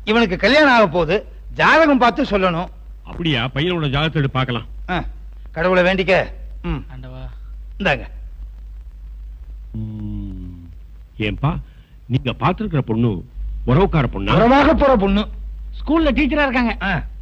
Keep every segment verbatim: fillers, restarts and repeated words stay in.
இவனுக்கு கல்யாணம் ஆக போகுது, ஜாதகம் பார்த்து சொல்லணும். அப்படியா? பையனோட ஜாதகத்தை எடுத்து பார்க்கலாம். கடவுளை வேண்டிக்க. இந்தாங்க. ஏன்பா, நீங்க பாத்துருக்கிற பொண்ணு உறவுக்கார பொண்ணு? உறவாக போற பொண்ணு, ஸ்கூல்ல டீச்சரா இருக்காங்க.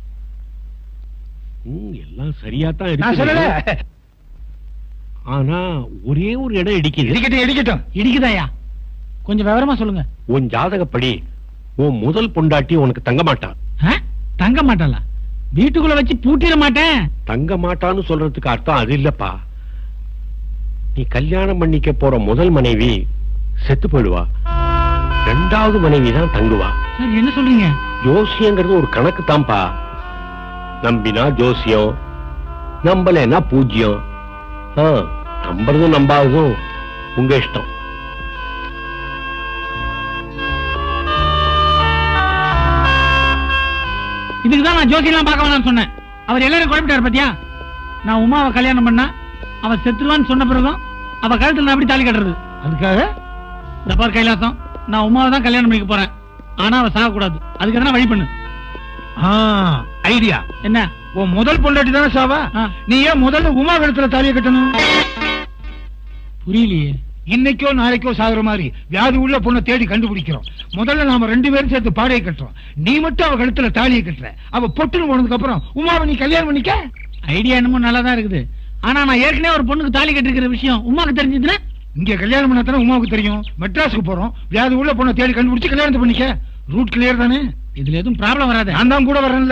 எல்லாம் சரியா தான் இருக்கு. ஆனா ஒரே ஒரு இடம் இடிக்குது. இடிக்கட்டும் இடிக்கட்டும். இடிக்குதாயா? கொஞ்சம் விவரமா சொல்லுங்க. உன் ஜாதகப்படி உன் முதல் பொண்டாட்டி உனக்கு தங்க மாட்டான். தங்க மாட்டாளா? வீட்டுக்குள்ள வச்சு பூட்டிட மாட்டேன். தங்க மாட்டான்னு சொல்றதுக்கு அர்த்தம் அது இல்லப்பா. நீ கல்யாணம் பண்ணிக்க போற முதல் மனைவி செத்து போயிடுவா, ரெண்டாவது மனைவி தான் தங்குவா. என்ன சொல்றீங்க? ஜோசியங்கிறது ஒரு கணக்கு தான்ப்பா. நம்பினா ஜோசியம், நம்பலன்னா பூஜ்யம். நம்புறதும் நம்பாததும் உங்க இஷ்டம். இதுக்குதான் நான் ஜோசியெல்லாம் பார்க்க வேணாம்னு சொன்னேன். அவர் எல்லாரும் குழப்பிட்டாரு பாத்தியா? நான் உமாவை கல்யாணம் பண்ணா அவ செத்துருவான்னு சொன்ன பிறகும் அவ கழுத்துல நான் எப்படி தாலி கட்டுறது? அதுக்காக இந்த பார் கைலாசம், நான் உமாவை தான் கல்யாணம் பண்ணிக்க போறேன். ஆனா அவ சாக கூடாது. அதுக்கு எதனா வழி பண்ணு. ஐடியா என்ன? உன் முதல் பொண்டாட்டி தானே சாவா, நீ ஏன் முதல்ல உமா கழுத்துல தாலியை கட்டணும்? புரியலையே. இன்னைக்கோ நாளைக்கோ சாகுற மாதிரி வியாதி உள்ள பொண்ணை தேடி கண்டுபிடிக்கிறோம். முதல்ல நாம ரெண்டு பேரும் சேர்த்து பாடையை கட்டுறோம். நீ மட்டும் அவ கழுத்துல தாலியை கட்டுற. அவ பொட்டுன்னு போனதுக்கு அப்புறம் உமாவை நீ கல்யாணம் பண்ணிக்க. ஐடியா என்னமோ நல்லாதான் இருக்குது. ஆனா நான் ஏற்கனவே ஒரு பொண்ணுக்கு தாலி கட்டிருக்கிற விஷயம் உமாவுக்கு தெரிஞ்சதுன்னா? இங்க கல்யாணம் பண்ணா தானே உமாவுக்கு தெரியும். மெட்ராஸுக்கு போறோம், வியாதி உள்ள பொண்ணை தேடி கண்டுபிடிச்சு கல்யாணத்தை பண்ணிக்க. ரூட் கிளியர் தானே? இதுல எதுவும் ப்ராப்ளம் வராது. நான் தான் கூட வரேன்ல.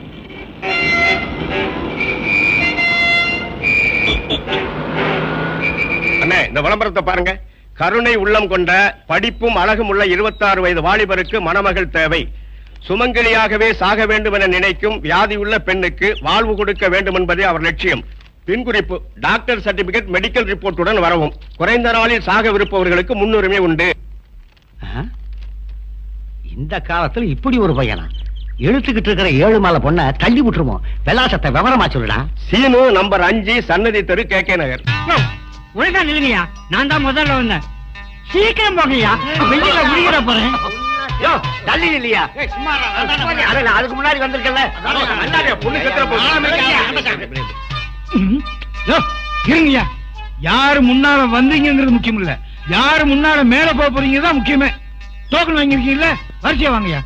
அண்ணே, இந்த விளம்பரத்தை பாருங்க. கருணை உள்ளம் கொண்ட படிப்பும் அழகும் உள்ள இருபத்தி ஆறு வயது வாலிபருக்கு மணமகள் தேவை. சுமங்கலியாகவே சாக வேண்டும் என நினைக்கும் வியாதியுள்ள பெண்ணுக்கு வாழ்வு கொடுக்க வேண்டும் என்பதே அவர் லட்சியம். பின்குறிப்பு: டாக்டர் சர்டிபிகேட், மெடிக்கல் ரிப்போர்ட்டுடன் வரவும். குறைந்த நாளில் சாகவிருப்பவர்களுக்கு முன்னுரிமை உண்டு. இந்த காலத்துல இப்படி ஒரு பையனா? எழுத்துக்கிட்டு இருக்கிற ஏழு மாலை பொண்ண தள்ளி விட்டுருமோ? விலாசத்தை விவரமா சொல்லுடா. சீனு, நம்பர் அஞ்சு, சன்னதி தெரு, கே கே நகர். ஒழுங்கா நில்லுங்கயா, நான் தான் முதல்ல வந்தேன். சீக்கிரம் போங்கய்யா, வெளியில முடிகிற போறேன். தள்ளி இல்லையா? அதுக்கு முன்னாடி வந்திருக்கல. இருங்கய்யா, யாரு முன்னால வந்தீங்கிறது முக்கியம் இல்ல, யாரு முன்னால மேல போக போறீங்க தான் முக்கியமே. டோக்கன் வாங்கிருக்கீங்கல்ல, வரிசையா வாங்கய்யா.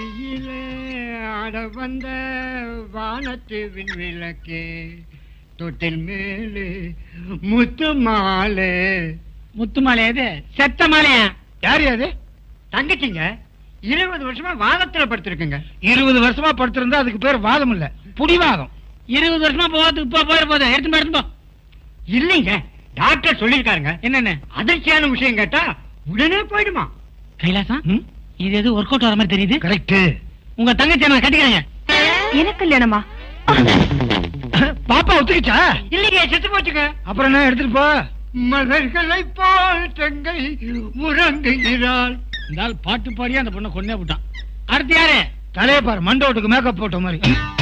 வந்த வானத்து விண்விளக்கே, தொட்டில் மேலே முத்து மாலை. முத்து மாலை? அது செத்த மாலையா? யாரு அது? தங்கச்சிங்க. இருபது வருஷமா வாதத்துல படுத்திருக்குங்க. இருபது வருஷமா படுத்திருந்தா அதுக்கு பேர் வாதம் இல்ல, புடிவாதம். இருபது வருஷமா போறதுக்கு இப்ப போயிட போதும். எடுத்து எடுத்து போ. இல்லைங்க, டாக்டர் சொல்லிருக்காருங்க. என்னென்ன அதிர்ச்சியான விஷயம் கேட்டா உடனே போயிடுமா? கைலாசம், இது எது ஒர்க் அவுட் வர மாதிரி தெரியுது. கரெக்ட். உங்க தங்கச்சி நான் கட்டிக்கிறேங்க. எனக்கு கல்யாணமா? பாப்பா ஒத்துக்கிச்சா? இல்லைங்க, செத்து போச்சுங்க. அப்புறம் என்ன எடுத்துட்டு போ. மலர்களை போல் தங்கை உறங்குகிறாள். இந்த பாட்டு பாடியா அந்த பொண்ணை கொண்டே விட்டான். அடுத்து யாரு? தலைய பாரு, மண்டோட்டுக்கு மேக்கப் போட்ட மாதிரி.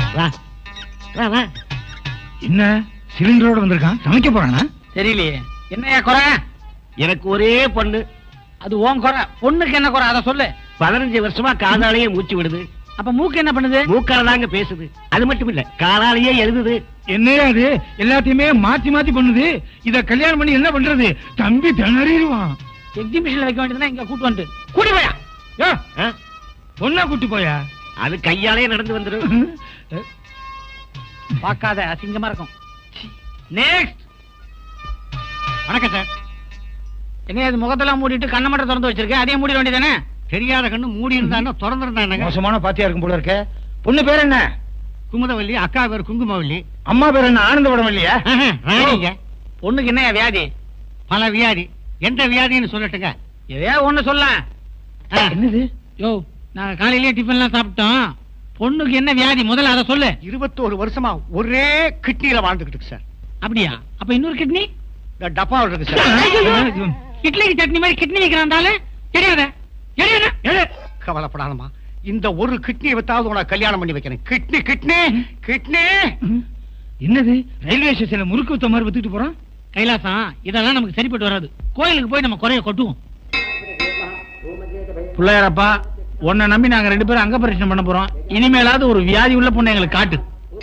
என்ன சிலிண்டரோட வந்திருக்கான்? சமைக்க போறானா? தெரியலையே. என்னையா குறை? எனக்கு ஒரே பொண்ணு. அது ஓன் குறை. பொண்ணுக்கு என்ன குறை அதை சொல்லு. பதினஞ்சு வருஷமா காதாலேயே மூச்சு விடுது. அப்ப மூக்கு என்ன பண்ணுது? மூக்காலதாங்க பேசுது. அது மட்டும் இல்ல, காலாலேயே எழுதுது. என்னையா அது? எல்லாத்தையுமே மாத்தி மாத்தி பண்ணுது. இத கல்யாணம் பண்ணி என்ன பண்றது? தம்பி திணறிடுவான். எக்ஸிபிஷன்ல வைக்க வேண்டியதுன்னா இங்க கூட்டு வந்து கூட்டி போயா. பொண்ணா கூட்டி போயா? அது கையாலே நடந்து வந்துடும். பார்க்காத, அசிங்கமா இருக்கும். நெக்ஸ்ட். வணக்கம் சார். என்ன இது முகத்தெல்லாம் மூடிட்டு கண்ணை மட்டும் திறந்து வச்சிருக்கேன்? அதையும் மூடிட வேண்டியதானே? தெரியாத கண்ணு மூடி இருந்தா திறந்திருந்தா. மோசமான பாத்தியா இருக்கும் போல இருக்க. பொண்ணு பேர் என்ன? குமுதவல்லி. அக்கா பேர் குங்குமவல்லி. அம்மா பேர் என்ன? ஆனந்தபடம் இல்லையா? ராணிங்க. பொண்ணுக்கு என்ன வியாதி? பல வியாதி. எந்த வியாதின்னு சொல்லட்டுங்க? ஏதோ ஒண்ணு சொல்ல. என்னது? யோ, நாங்க காலையிலேயே டிஃபன் எல்லாம் சாப்பிட்டோம். பொண்ணுக்கு என்ன வியாதி முதல்ல அதை சொல்லு. இருபத்தோரு வருஷமா ஒரே கிட்னியில வாழ்ந்துகிட்டு சார். அப்படியா? அப்ப இன்னொரு கிட்னி டப்பா இருக்கு சார். இட்லிக்கு சட்னி மாதிரி கிட்னி வைக்கிறாண்டால தெரியாத. கவலைப்படாதமா, இந்த ஒரு கிட்னியை வைத்தாவது உனக்கு கல்யாணம் பண்ணி வைக்கிறேன். Kidney kidney kidney. என்னது? ரயில்வே ஸ்டேஷன்ல முறுக்கு வித்த மாதிரி வித்துட்டு போறான். கைலாசம், இதெல்லாம் நமக்கு சரிப்பட்டு வராது. கோயிலுக்கு போய் நம்ம குறைய கொட்டுவோம். பிள்ளையாரப்பா, உன்னை நம்பி நாங்க ரெண்டு பேரும் அங்க பரிசனம் பண்ண போறோம். இனிமேலாவது ஒரு வியாதி உள்ள பொண்ணு எங்களுக்கு காட்டு.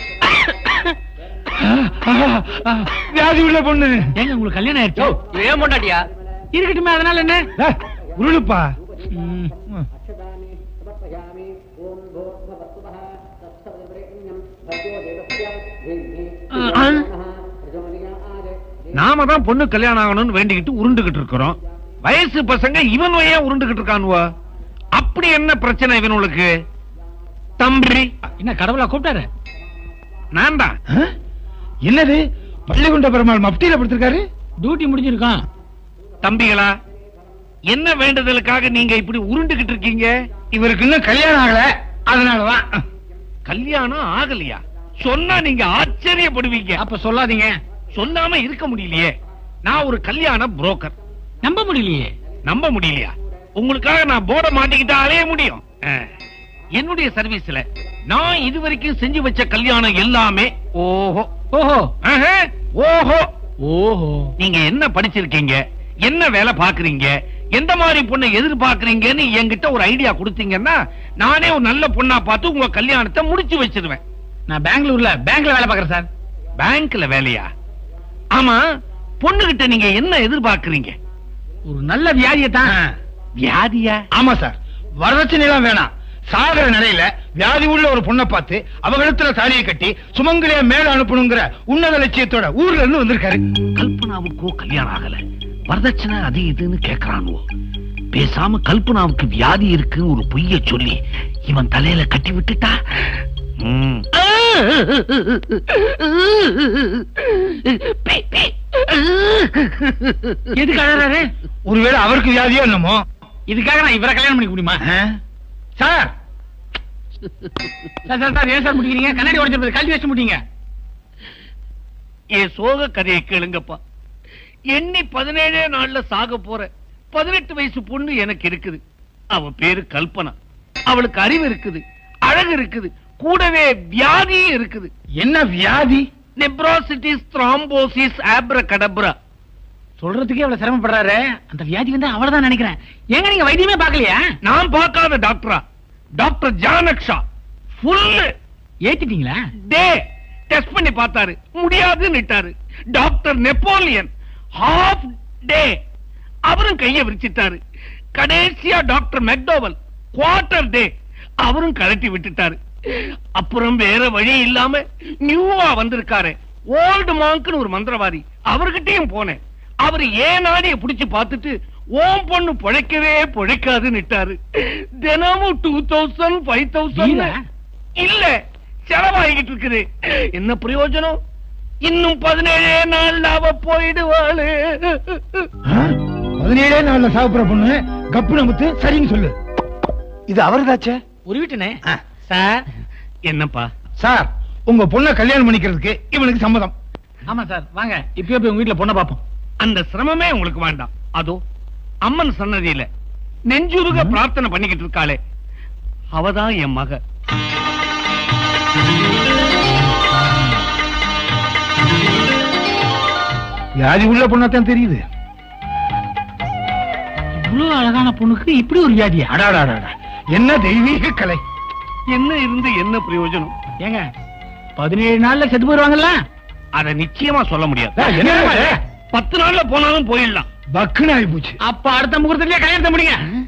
வியாதி உள்ள பொண்ணு ஏங்க உங்களுக்கு கல்யாணம் ஆயிடுச்சு? ஏன் பொண்டாட்டியா? இருக்கட்டுமே, அதனால என்ன? உருளுப்பா. நாம தான் பொண்ணு கல்யாணம் ஆகணும்னு வேண்டிக்கிட்டு உருண்டுகிட்டு இருக்கிறோம். வயசு பசங்க இவன் ஏன் உருண்டுகிட்டு இருக்கானுவா? அப்படி என்ன பிரச்சனை இவனுக்கு? தம்பி என்ன கடவுளா கூப்பிட்டாரு? நான் தான். என்னது பள்ளிகுண்ட பெருமாள் மப்டியில படுத்திருக்காரு? டியூட்டி முடிஞ்சிருக்கான். தம்பிகளா, என்ன வேண்டுதலுக்காக நீங்க இப்படி உருண்டுகிட்டு இருக்கீங்க? இவருக்கு இன்னும் கல்யாணம் ஆகல, அதனாலதான். கல்யாணம் ஆகலையா? சொன்னா நீங்க ஆச்சரியப்படுவீங்க. அப்ப சொல்லாதீங்க. சொல்லாம இருக்க முடியலையே. நான் ஒரு கல்யாண புரோக்கர். நம்ப முடியலையே. நம்ப முடியலையா? உங்களுக்காக நான் போர்ட மாட்டிக்கிட்டா அலைய முடியும். என்னுடைய சர்வீஸ்ல நான் இதுவரைக்கும் செஞ்சு வச்ச கல்யாணம் எல்லாமே ஓஹோ ஓஹோ ஓஹோ ஓஹோ. நீங்க என்ன படிச்சிருக்கீங்க, என்ன வேலை பாக்குறீங்க, எந்த மாதிரி பொண்ணை எதிர்பார்க்கறீங்கன்னு என்கிட்ட ஒரு ஐடியா கொடுத்தீங்கன்னா நானே ஒரு நல்ல பொண்ணா பார்த்து உங்க கல்யாணத்தை முடிச்சு வச்சிருவேன். நான் பெங்களூர்ல பேங்க்ல வேலை பாக்குறேன் சார். பேங்க்ல வேலையா? ஆமா, பொண்ணுகிட்ட நீங்க என்ன எதிர்பார்க்கறீங்க? ஒரு நல்ல வியாதியத்தான். வியாதியா? ஆமா சார், வரதட்சணை எல்லாம் வேணாம். சாகர நிலையில வியாதி உள்ள ஒரு பொண்ணை பார்த்து அவகலத்துல தாலியை கட்டி சுமங்கலியா மேல அனுப்பணுங்கிற உன்னத லட்சியத்தோட ஊர்ல இருந்து வந்திருக்காரு. கல்பனாவுக்கோ கல்யாணம் ஆகல, வரதட்சணை அது இதுன்னு கேக்குறானுவோ. பேசாம கல்பனாவுக்கு வியாதி இருக்குன்னு ஒரு பொய்ய சொல்லி இவன் தலையில கட்டி விட்டுட்டா. எதுக்கு அழறாரு? ஒருவேளை அவருக்கு வியாதியோ என்னமோ. இதுக்காக நான் இவரை கல்யாணம் பண்ணிக்க முடியுமா? சார் சார் சார் சார் ஏன் சார் முடிக்கிறீங்க? கண்ணாடி உடைச்சிருப்பது கல்வி வச்சு முடிங்க. என் சோக கதையை கேளுங்கப்பா. எண்ணி பதினேழே நாள்ல சாக போற பதினெட்டு வயசு பொண்ணு எனக்கு இருக்குது. அவ பேரு கல்பனா. அவளுக்கு அறிவு இருக்குது, அழகு இருக்குது, கூடவே வியாதியும் இருக்குது. என்ன வியாதி? Nephrositis thrombosis abracadabra. சொல்றதுக்கே அவ்வளவு சிரமப்படுறாரு. அந்த வியாதி வந்து அவ்வளவுதான் நினைக்கிறேன். ஏங்க நீங்க வைத்தியமே பார்க்கலையா? நான் பார்க்காத டாக்டரா? டாக்டர் ஜானக்ஷா ஃபுல் ஏத்திட்டீங்களா? டே டெஸ்ட் பண்ணி பார்த்தாரு, முடியாதுன்னுட்டாரு. டாக்டர் நெப்போலியன் ஹாஃப் டே, அவரும் கையை விரிச்சிட்டாரு. கடைசியா டாக்டர் மெக்டோவல் குவார்டர் டே, அவரும் கழட்டி விட்டுட்டாரு. அப்புறம் வேற வழி இல்லாம நியூவா வந்திருக்காரு ஓல்டு மாங்க்னு ஒரு மந்திரவாதி, அவர்கிட்டயும் போனேன். அவரு ஏன் நாடிய புடிச்சு பார்த்துட்டு ஓம் பொண்ணு பொழைக்கவே பொழைக்காதுன்னுட்டாரு. தினமும் டூ தௌசண்ட் ஃபைவ் தௌசண்ட் இல்ல செலவாகிட்டு இருக்குது. என்ன பிரயோஜனம்? இன்னும் பதினேழே நாள்ல அவ போயிடுவாளு. பதினேழே நாள்ல சாப்பிடுற பொண்ணு கப்பு நமத்து சரின்னு சொல்லு. இது அவருதாச்சே. ஒரு வீட்டுனே சார். என்னப்பா சார், உங்க பொண்ணை கல்யாணம் பண்ணிக்கிறதுக்கு இவனுக்கு சம்மதம். ஆமா சார், வாங்க இப்பயே போய் உங்க வீட்டுல பொண்ணை பாப்போம். அந்த சிரமமே உங்களுக்கு வேண்டாம். அதோ அம்மன் சன்னதியில நெஞ்சுருக பிரார்த்தனை பண்ணிக்கிட்டு இருக்காளே, அவதான் என் மக. வியாதி உள்ள பொண்ணாத்தான் தெரியுது. இவ்வளவு அழகான பொண்ணுக்கு இப்படி ஒரு வியாதியா? அடாடாடா, என்ன தெய்வீக கலை. என்ன இருந்து என்ன பிரயோஜனம்? ஏங்க பதினேழு நாள்ல செத்து போயிருவாங்கல்ல? அத நிச்சயமா சொல்ல முடியாது. என்ன பத்து நாள்ல போனாலும் போயிடலாம். பக்குன்னு ஆகி போச்சு. அப்ப அடுத்த முகூர்த்தத்திலே கல்யாணத்தை முடிங்க.